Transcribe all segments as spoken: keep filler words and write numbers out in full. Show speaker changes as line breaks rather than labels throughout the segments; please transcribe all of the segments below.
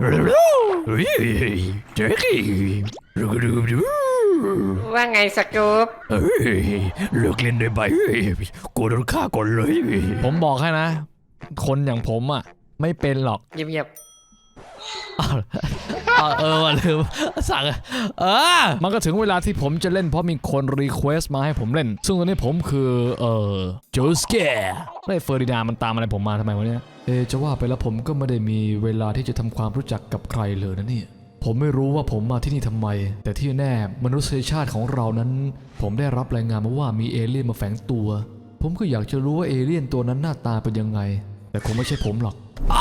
เจ๊กี้
ว่าไงสกู๊ป
เฮ้ยเลิกเล่นได้ไหมกูโดนฆ่าก่อนเลยผมบอกให้นะคนอย่างผมอ่ะไม่เป็นหรอก
เงียบ
ๆเออว่ะลืมสั่งเออมันก็ถึงเวลาที่ผมจะเล่นเพราะมีคนรีเควสต์มาให้ผมเล่นซึ่งตอนนี้ผมคือเออโจสแกร์ไอ้เฟอร์ดินานด์มันตามอะไรผมมาทำไมวะเนี่ยเอจะว่าไปแล้วผมก็ไม่ได้มีเวลาที่จะทำความรู้จักกับใครเลยนะเนี่ยผมไม่รู้ว่าผมมาที่นี่ทำไมแต่ที่แน่มนุษยชาติของเรานั้นผมได้รับรายงานมาว่ามีเอเลี่ยนมาแฝงตัวผมก็อยากจะรู้ว่าเอเลี่ยนตัวนั้นหน้าตาเป็นยังไงแต่คงไม่ใช่ผมหรอก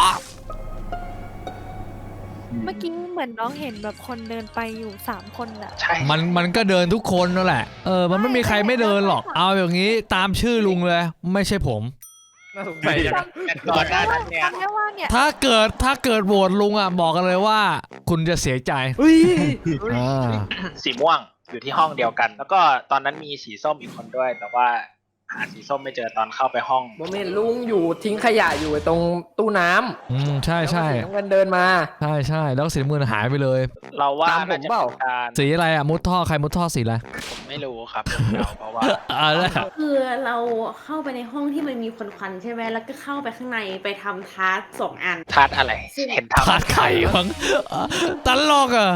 เมื่อกี้เหมือนน้องเห็นแบบคนเดินไปอยู่สามคนอะ
ใช่
มันมันก็เดินทุกคนนั่นแหละเออมันไม่มีใครไม่เดินหรอกเอาอย่างนี้ตามชื่อลุงเลยไม่ใช่ผม
น่าสงสัยจัง
แต่ก่อนหน้านั้นเนี่ย
จำได้ว่าเนี่ย
ถ้าเกิดถ้าเกิดโหวตลุงอ่ะบอกกันเลยว่าคุณจะเสียใจอ่า
สีม่วงอยู่ที่ห้องเดียวกัน แล้วก็ตอนนั้นมีสีส้มอีกคนด้วย แต่ว่าหาสีส้มไม่เจอตอนเข้าไปห้อง
โมเมนต์ลุงอยู่ทิ้งขยะอยู่ตรงตู้น้ำ
อืมใช่ใช่
แล้วก็สีน้ำเงินเดินมา
ใช่ใช่แล้วสีมือหายไปเลย
เราว่า
ตามผม
น่าจะ
เปล่า
เป็นการ
สีอะไรอ่ะมุดท่อใครมุดท่อสีอะไร
ผมไม่รู้ครับเพราะว่า
อะไร
คือเราเข้าไปในห้องที่มันมีควันๆใช่ไหมแล้วก็เข้าไปข้างในไปทำทาร์กสองอัน
ทาดอะไรเห็นทำ
ขาดไข่มั้งตลกอ่ะ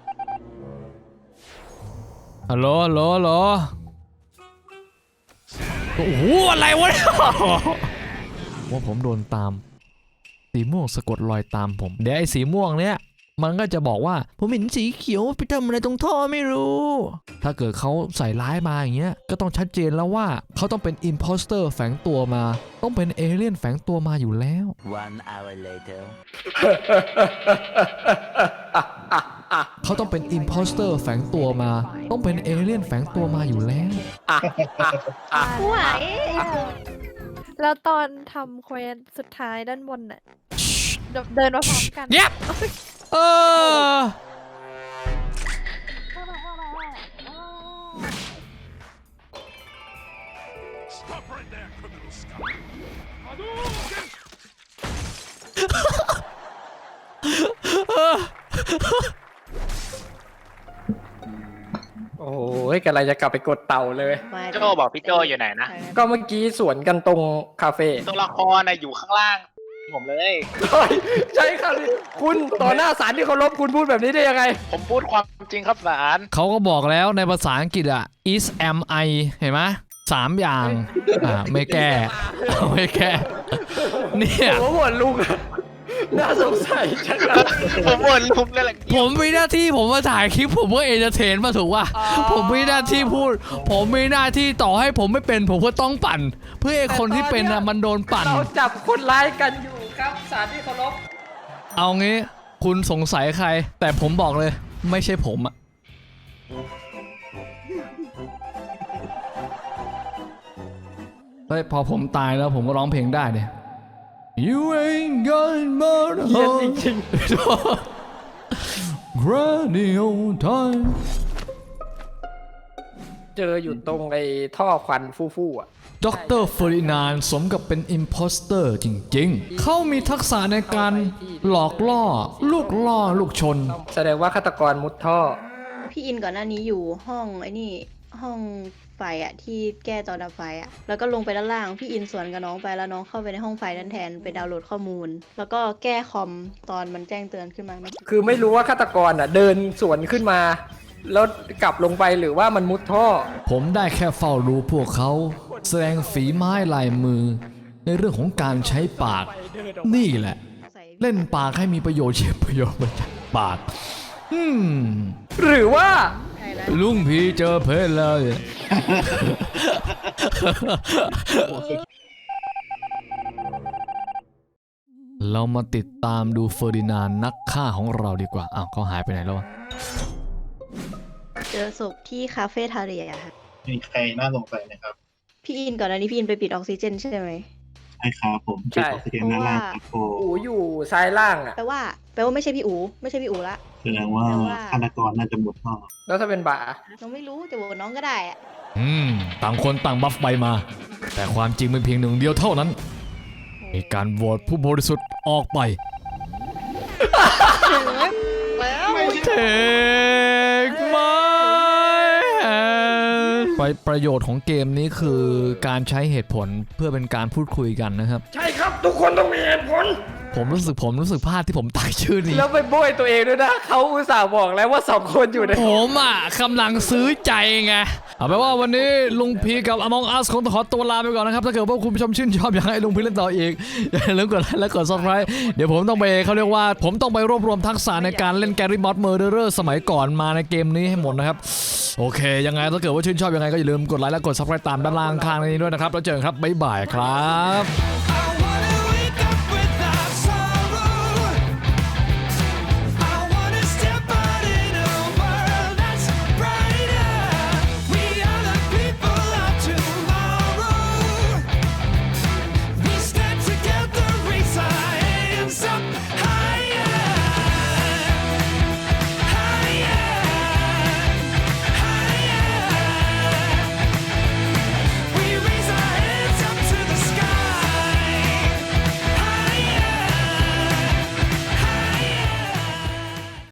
ฮัลโหลฮัลโหลฮัลโหลโอ้โหอะไรวะว่าผมโดนตามสีม่วงสะกดรอยตามผมเดี๋ยวไอ้สีม่วงเนี้ยมันก็จะบอกว่าผมเห็นสีเขียวไปทำอะไรตรงท่อไม่รู้ถ้าเกิดเขาใส่ร้ายมาอย่างเงี้ยก็ต้องชัดเจนแล้วว่าเขาต้องเป็นอิมโพสเตอร์แฝงตัวมาต้องเป็นเอเลี่ยนแฝงตัวมาอยู่แล้ว
One hour later
เขาต้องเป็นอิมโพสเตอร์แฝงตัวมาต้องเป็นเอเลี่ยนแฝงตัวมาอยู่แล้ว
ไหวแล้วตอนทำเควสสุดท้ายด้านบนน่ะเดินมาพร้อมกัน
เงียบเออ
โอ้ยกำลังจะกลับไปกดเต่าเลย
โจบอกพี่โจอยู่ไหนนะ
ก็เมื่อกี้สวนกันตรงคาเฟ่
ตัวละครนะอยู่ข้างล่างผมเลย
ใช่ครับคุณต่อหน้าศาลที่เคารพคุณพูดแบบนี้ได้ยังไง
ผมพูดความจริงครับศาล
เขาก็บอกแล้วในภาษาอังกฤษอ่ะ is am I เห็นไหมสามอย่างอ่าไม่แก้ไม่แก้เนี่ย
ผมว่าลุงน่าสงสัยจัง
ผมบ่นลุมเลยแหละ
ผมมีหน้าที่ผมมาถ่ายคลิปผมก็เอนเตอร์เทนมาถูกป่ะผมมีหน้าที่พูดผมมีหน้าที่ต่อให้ผมไม่เป็นผมก็ต้องปั่นเพื่อไอ้คนที่เป็นอ่ะมันโดนปั่น
เราจับคนร้ายกันอยู่ครับศาลที่เคารพ
เอางี้คุณสงสัยใครแต่ผมบอกเลยไม่ใช่ผมอ่ะเฮ้ยพอผมตายแล้วผมก็ร้องเพลงได้เนี่ย You ain't got more to hold
จริง
Granny old time
เจออยู่ตรงไอ้ท่อควันฟู่ๆอ่ะ
ด็อกเตอร์เฟอร์ดินานด์สมกับเป็นอิมโพสเตอร์จริงๆเขามีทักษะในการหลอกล่อลูกล่อลูกชน
แสดงว่าฆาตกรมุดท่อ
พี่อินก่อนหน้านี้อยู่ห้องไอ้นี่ห้องไฟอะที่แก้ตอนดับไฟอะแล้วก็ลงไปด้านล่างพี่อินสวนกับน้องไปแล้วน้องเข้าไปในห้องไฟนั้นแทนไปดาวน์โหลดข้อมูลแล้วก็แก้คอมตอนมันแจ้งเตือนขึ้นมา
คือไม่รู้ว่าฆาตกรอ่ะเดินสวนขึ้นมาแล้วกลับลงไปหรือว่ามันมุดท่อ
ผมได้แค่เฝ้าดูพวกเขาแสดงฝีไม้ลายมือในเรื่องของการใช้ปากนี่แหละเล่นปากให้มีประโยชน์เช่นประโยชน์มาจากปากอืม
หรือว่า
ลุงพี่เจอเพลเลยเรามาติดตามดูเฟอร์ดินานด์นักฆ่าของเราดีกว่าอ้าวเขาหายไปไหนแล้ววะ
เจอศพที่คาเฟ่ทาเรียค่ะ
มีใครน่าสงสัยไหมครับ
พี่อินก่อนหน้านี้พี่อินไปปิดออกซิเจนใช่ไหม
ใช่ครับผมปิดออกซิเจนด้านล่างครับโ
อูอยู่ซ้ายล่างอ่ะ
แปลว่าแปลว่าไม่ใช่พี่อูไม่ใช่พี่อูละ
แสดงว่าฆาตกรน่าจะหมดท่อ
แล้วถ้าเป็นบ่า
น้องไม่รู้จะโหวตน้องก็ได้อะ
อืมต่างคนต่างบัฟใบมาแต่ความจริงเป็นเพียงหนึ่งเดียวเท่านั้นมีการโหวตผู้บริสุทธิ์ออกไป take my hand ไปประโยชน์ของเกมนี้คือการใช้เหตุผลเพื่อเป็นการพูดคุยกันนะครับ
ใช่ครับทุกคนต้องมีเหตุผล
ผมรู้สึกผมรู้สึกพลาดที่ผมตั้งชื่อนี้
แล้วไปโบยตัวเองด้วยนะเขาอุตส่าห์บอกแล้วว่าสองคนอยู่ใน
ผมอ่ะกำลังซื้อใจไงเอาเป็นว่าวันนี้ลุงพีกับ Among Us คงต้องขอตัวลาไปก่อนนะครับถ้าเกิดว่าคุณผู้ชมชื่นชอบอยากให้ลุงพีเล่นต่ออีกอย่าลืมกดไลค์และกด Subscribe เดี๋ยวผมต้องไปเขาเรียกว่าผมต้องไปรวบรวมทักษะในการเล่น Garry Mod Murderer สมัยก่อนมาในเกมนี้ให้หมดนะครับโอเคยังไงถ้าเกิดว่าชื่นชอบยังไงก็อย่าลืมกดไลค์และกด Subscribe ตามด้านล่างข้างนี้ด้วยนะครับแล้วเจอกันครับบ๊ายบายครับ